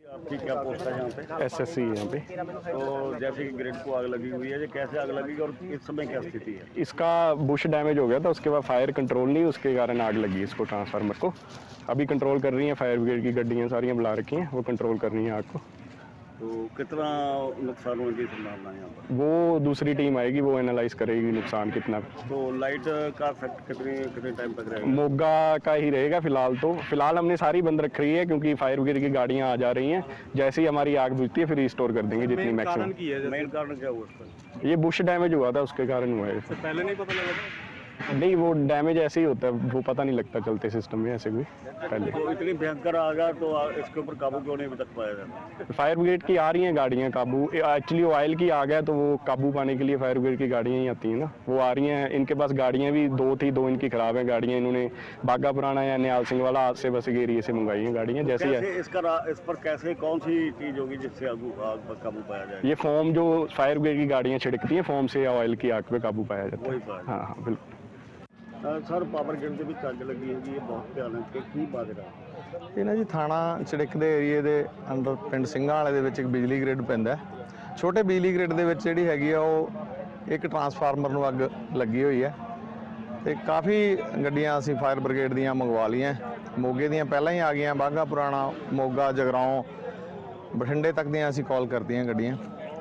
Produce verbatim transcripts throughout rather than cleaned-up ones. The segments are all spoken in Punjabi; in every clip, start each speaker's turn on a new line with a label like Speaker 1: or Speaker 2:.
Speaker 1: आपकी क्या पोस्ट है यहाँ पे?
Speaker 2: एस एस सी यहाँ पे।
Speaker 1: तो जैसे कि ग्रिड को आग लगी हुई है, ये कैसे आग लगी और इस समय क्या स्थिति है?
Speaker 2: इसका बुश डैमेज हो गया था, उसके बाद फायर कंट्रोल नहीं, उसके कारण आग लगी इसको, ट्रांसफार्मर को। अभी कंट्रोल कर रही हैं, फायर ब्रिगेड की गड्डियाँ सारियाँ बुला रखी हैं, वो कंट्रोल कर रही हैं आग को।
Speaker 1: तो कितना नुकसान होने की संभावना है यहाँ पर?
Speaker 2: वो दूसरी टीम आएगी, वो एनालाइज करेगी नुकसान कितना।
Speaker 1: तो लाइट का इफेक्ट कितने कितने टाइम तक रहेगा?
Speaker 2: मोगा का ही रहेगा फिलहाल। तो फिलहाल हमने सारी बंद रख रही है क्योंकि फायर ब्रिगेड की गाड़ियाँ आ जा रही हैं। जैसे ही हमारी आग बुझती है फिर रिस्टोर कर देंगे जितनी मैक्सिमम।
Speaker 1: मेन कारण क्या हुआ उसका?
Speaker 2: ये बुश डैमेज हुआ था, उसके कारण हुआ है।
Speaker 3: पहले नहीं पता लगा?
Speaker 2: नहीं, वो डैमेज ऐसे ही होता है, वो पता नहीं लगता चलते सिस्टम में ऐसे भी पहले।
Speaker 1: तो इतनी भयंकर आग है तो इसके ऊपर काबू क्यों नहीं अभी तक पाया जाता?
Speaker 2: फायर ब्रिगेड की आ रही हैं गाड़ियाँ काबू। एक्चुअली ऑयल की आ गया तो वो काबू पाने के लिए फायर ब्रिगेड की गाड़ियाँ ही आती हैं ना, वो आ रही हैं। इनके पास गाड़ियाँ भी दो थी, दो इनकी खराब हैं गाड़ियाँ। इन्होंने बागा पुराना या निहाल सिंह वाला आज से बस के एरिए से मंगाई हैं गाड़ियाँ। जैसे
Speaker 1: कैसे इसका इस पर कैसे कौन सी चीज़ होगी जिससे आग आग पर काबू पाया जाए?
Speaker 2: ये फोम जो फायर ब्रिगेड की गाड़ियाँ छिड़कती हैं, फोम से ऑयल की आग पे काबू पाया जाता है। हाँ हाँ बिल्कुल।
Speaker 1: ਸਰ ਪਾਵਰ ਗ੍ਰਿਡ ਦੇ ਵਿੱਚ ਅੱਗ ਲੱਗੀ ਹੈਗੀ, ਇਹ ਬਹੁਤ ਭਿਆਨਕ ਹੈ, ਕੀ ਬਾਜਰਾ?
Speaker 4: ਇਹ ਨਾ ਜੀ ਥਾਣਾ ਚੜਿੱਕ ਦੇ ਏਰੀਏ ਦੇ ਅੰਦਰ ਪਿੰਡ ਸਿੰਘਾਂ ਵਾਲੇ ਦੇ ਵਿੱਚ ਇੱਕ ਬਿਜਲੀ ਗ੍ਰਿਡ ਪੈਂਦਾ। ਛੋਟੇ ਬਿਜਲੀ ਗ੍ਰਿਡ ਦੇ ਵਿੱਚ ਜਿਹੜੀ ਹੈਗੀ ਆ ਉਹ ਇੱਕ ਟਰਾਂਸਫਾਰਮਰ ਨੂੰ ਅੱਗ ਲੱਗੀ ਹੋਈ ਹੈ ਤੇ ਕਾਫੀ ਗੱਡੀਆਂ ਅਸੀਂ ਫਾਇਰ ਬ੍ਰਿਗੇਡ ਦੀਆਂ ਮੰਗਵਾ ਲਈਆਂ। ਮੋਗੇ ਦੀਆਂ ਪਹਿਲਾਂ ਹੀ ਆ ਗਈਆਂ, ਬਾਘਾ ਪੁਰਾਣਾ, ਮੋਗਾ, ਜਗਰਾਓਂ, ਬਠਿੰਡੇ ਤੱਕ ਦੀਆਂ ਅਸੀਂ ਕਾਲ ਕਰਤੀਆਂ ਗੱਡੀਆਂ।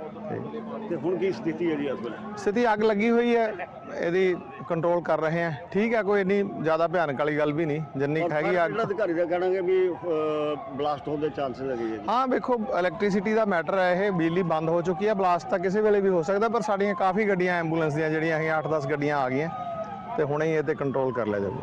Speaker 1: ਤੇ ਹੁਣ ਕੀ ਸਥਿਤੀ ਹੈ ਜੀ ਇਸ ਵੇਲੇ?
Speaker 4: ਸਥਿਤੀ ਅੱਗ ਲੱਗੀ ਹੋਈ ਹੈ, ਇਹਦੀ ਕੰਟਰੋਲ ਕਰ ਰਹੇ ਹਾਂ। ਠੀਕ ਹੈ, ਕੋਈ ਇੰਨੀ ਜ਼ਿਆਦਾ ਭਿਆਨਕ ਵਾਲੀ ਗੱਲ ਵੀ ਨਹੀਂ, ਜਿੰਨੀ ਹੈਗੀ ਅੱਗ।
Speaker 1: ਅਧਿਕਾਰੀ ਦਾ ਕਹਿਣਾ ਹੈ ਵੀ ਬਲਾਸਟ ਹੋਣ ਦੇ ਚਾਂਸਸ ਹੈਗੇ ਜੀ।
Speaker 4: ਹਾਂ ਵੇਖੋ, ਇਲੈਕਟ੍ਰਿਸਿਟੀ ਦਾ ਮੈਟਰ ਹੈ ਇਹ, ਬਿਜਲੀ ਬੰਦ ਹੋ ਚੁੱਕੀ ਹੈ, ਬਲਾਸਟ ਤਾਂ ਕਿਸੇ ਵੇਲੇ ਵੀ ਹੋ ਸਕਦਾ। ਪਰ ਸਾਡੀਆਂ ਕਾਫੀ ਗੱਡੀਆਂ ਐਂਬੂਲੈਂਸ ਦੀਆਂ ਜਿਹੜੀਆਂ ਹੈਗੀਆਂ ਅੱਠ ਦਸ ਗੱਡੀਆਂ ਆ ਗਈਆਂ ਤੇ ਹੁਣੇ ਹੀ ਇਹ ਤੇ ਕੰਟਰੋਲ ਕਰ ਲਿਆ ਜਾਊਗਾ।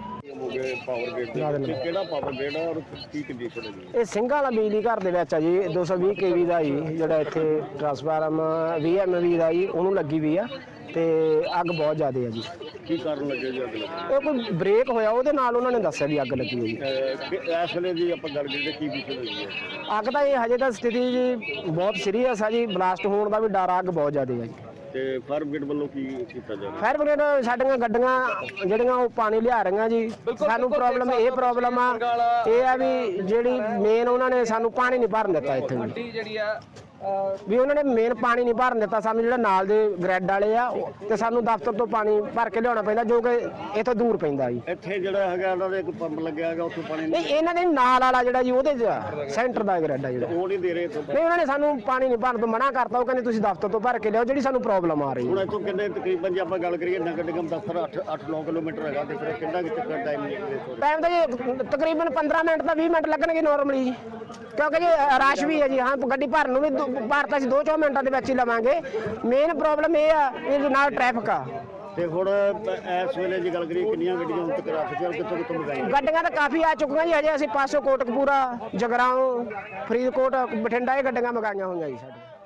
Speaker 1: ਪਾਵਰ ਗ੍ਰਿਡ ਕਿਹੜਾ ਪਾਵਰ ਗ੍ਰਿਡ ਹੈ ਔਰ ਕੀ ਕੰਡੀਸ਼ਨ ਹੈ ਜੀ?
Speaker 5: ਇਹ ਸਿੰਘਾਂ ਵਾਲਾ ਬਿਜਲੀ ਘਰ ਦੇ ਵਿੱਚ ਆ ਜੀ, ਦੋ ਸੌ ਵੀਹ ਕੇ ਵੀ ਦਾ ਜੀ, ਜਿਹੜਾ ਇੱਥੇ ਟਰਾਂਸਫਾਰਮ ਵੀਹ ਐਮ ਵੀ ਦਾ ਜੀ, ਉਹਨੂੰ ਲੱਗੀ ਵੀ ਆ ਤੇ ਅੱਗ ਬਹੁਤ ਜ਼ਿਆਦਾ ਹੈ ਜੀ।
Speaker 1: ਕੀ ਕਾਰਨ ਲੱਗੇ ਜੀ ਅੱਗ ਲੱਗੀ?
Speaker 5: ਇਹ ਕੋਈ ਬ੍ਰੇਕ ਹੋਇਆ, ਉਹਦੇ ਨਾਲ ਉਹਨਾਂ ਨੇ ਦੱਸਿਆ ਵੀ ਅੱਗ ਲੱਗੀ ਹੋਈ ਹੈ।
Speaker 1: ਇਸ ਵੇਲੇ ਜੀ ਆਪਾਂ ਗੱਲ ਕਰੀਏ ਕੀ ਵਿਸ਼ੇ ਹੋਈ ਹੈ?
Speaker 5: ਅੱਗ ਤਾਂ ਇਹ ਹਜੇ ਤਾਂ ਸਥਿਤੀ ਜੀ ਬਹੁਤ ਸੀਰੀਅਸ ਆ ਜੀ, ਬਲਾਸਟ ਹੋਣ ਦਾ ਵੀ ਡਰ, ਅੱਗ ਬਹੁਤ ਜ਼ਿਆਦਾ ਹੈ ਜੀ।
Speaker 1: ਤੇ ਫਾਇਰ ਬ੍ਰਿਗੇਡ ਵੱਲੋਂ ਕੀ ਕੀਤਾ ਜਾ ਰਿਹਾ?
Speaker 5: ਫਾਇਰ ਬ੍ਰਿਗੇਡ ਸਾਡੀਆਂ ਗੱਡੀਆਂ ਜਿਹੜੀਆਂ ਉਹ ਪਾਣੀ ਲਿਆ ਰਹੀਆਂ ਜੀ। ਸਾਨੂੰ ਪ੍ਰੋਬਲਮ ਇਹ ਪ੍ਰੋਬਲਮ ਆ ਇਹ ਆ ਵੀ ਜਿਹੜੀ ਮੇਨ ਉਹਨਾਂ ਨੇ ਸਾਨੂੰ ਪਾਣੀ ਨਹੀਂ ਭਰਨ ਦਿੱਤਾ ਇੱਥੇ ਵੀ ਵੀ ਉਹਨਾਂ ਨੇ ਮੇਨ ਪਾਣੀ ਨਹੀਂ ਭਰਨ ਦਿੱਤਾ ਸਾਨੂੰ, ਜਿਹੜਾ ਨਾਲ ਦੇ ਗ੍ਰਿਡ ਵਾਲੇ ਆ ਤੇ ਸਾਨੂੰ ਦਫ਼ਤਰ ਤੋਂ ਪਾਣੀ ਭਰ ਕੇ ਲਿਆਉਣਾ ਪੈਂਦਾ ਜੋ ਕਿ ਇੱਥੋਂ ਦੂਰ ਪੈਂਦਾ ਜੀ।
Speaker 1: ਇੱਥੇ ਜਿਹੜਾ ਹੈਗਾ ਉਹਨਾਂ ਦੇ ਇੱਕ ਪੰਪ ਲੱਗਿਆ ਹੈਗਾ, ਉੱਥੋਂ ਪਾਣੀ
Speaker 5: ਨਹੀਂ, ਇਹਨਾਂ ਦੇ ਨਾਲ ਵਾਲਾ ਜਿਹੜਾ ਜੀ ਉਹਦੇ ਸੈਂਟਰ ਦਾ ਗ੍ਰਿਡ ਆ ਜਿਹੜਾ,
Speaker 1: ਉਹ ਨਹੀਂ ਦੇ ਰਹੇ।
Speaker 5: ਨਹੀਂ, ਉਹਨਾਂ ਨੇ ਸਾਨੂੰ ਪਾਣੀ ਨਹੀਂ ਭਰਨ ਤੋਂ ਮਨਾ ਕਰਤਾ। ਉਹ ਕਹਿੰਦੇ ਤੁਸੀਂ ਦਫ਼ਤਰ ਤੋਂ ਭਰ ਕੇ ਲਿਆਓ, ਜਿਹੜੀ ਸਾਨੂੰ ਪ੍ਰੋਬਲਮ ਆ ਰਹੀ
Speaker 1: ਹੁਣ
Speaker 5: ਹੈ।
Speaker 1: ਇੱਥੋਂ ਕਿੰਨੇ ਤਕਰੀਬਨ ਜੇ ਆਪਾਂ ਗੱਲ ਕਰੀਏ ਨਗਰ ਨਿਗਮ ਦਫ਼ਤਰ ਅੱਠ ਅੱਠ ਨੌ ਕਿਲੋਮੀਟਰ ਹੈਗਾ ਤੇ ਫਿਰ ਕਿੰਨਾ ਕਿ ਤੱਕ ਟਾਈਮ ਲੱਗੇਗਾ?
Speaker 5: ਟਾਈਮ ਤਾਂ ਜੀ ਤਕਰੀਬਨ ਪੰਦਰਾਂ ਮਿੰਟ ਤਾਂ ਵੀਹ ਮਿੰਟ ਲੱਗਣਗੇ ਨਾਰਮਲੀ ਜੀ, ਕਿਉਂਕਿ ਜੀ ਰਸ਼ ਵੀ ਹੈ ਜੀ। ਹਾਂ, ਗੱਡੀ ਭਰਨ ਨੂੰ ਵੀ ਭਰ ਤਾਂ ਅਸੀਂ ਦੋ ਚੌ ਮਿੰਟਾਂ ਦੇ ਵਿੱਚ ਹੀ ਲਵਾਂਗੇ। ਮੇਨ ਪ੍ਰੋਬਲਮ ਇਹ ਆ ਇਹ ਨਾਲ ਟ੍ਰੈਫਿਕ ਆ।
Speaker 1: ਤੇ ਹੁਣ ਇਸ ਵੇਲੇ ਜੇ ਗੱਲ ਕਰੀਏ ਕਿੰਨੀਆਂ ਗੱਡੀਆਂ ਹੁਣ ਤੱਕ ਆ ਚੁੱਕੀਆਂ, ਕਿੱਥੋਂ ਕਿੱਥੋਂ ਮੰਗਾਈਆਂ?
Speaker 5: ਗੱਡੀਆਂ ਤਾਂ ਕਾਫੀ ਆ ਚੁੱਕੀਆਂ ਜੀ। ਹਜੇ ਅਸੀਂ ਪਾਸੋਂ ਕੋਟਕਪੂਰਾ, ਜਗਰਾਓਂ, ਫਰੀਦਕੋਟ, ਬਠਿੰਡਾ ਇਹ ਗੱਡੀਆਂ ਮੰਗਾਈਆਂ ਹੋਈਆਂ ਜੀ ਸਾਡੇ।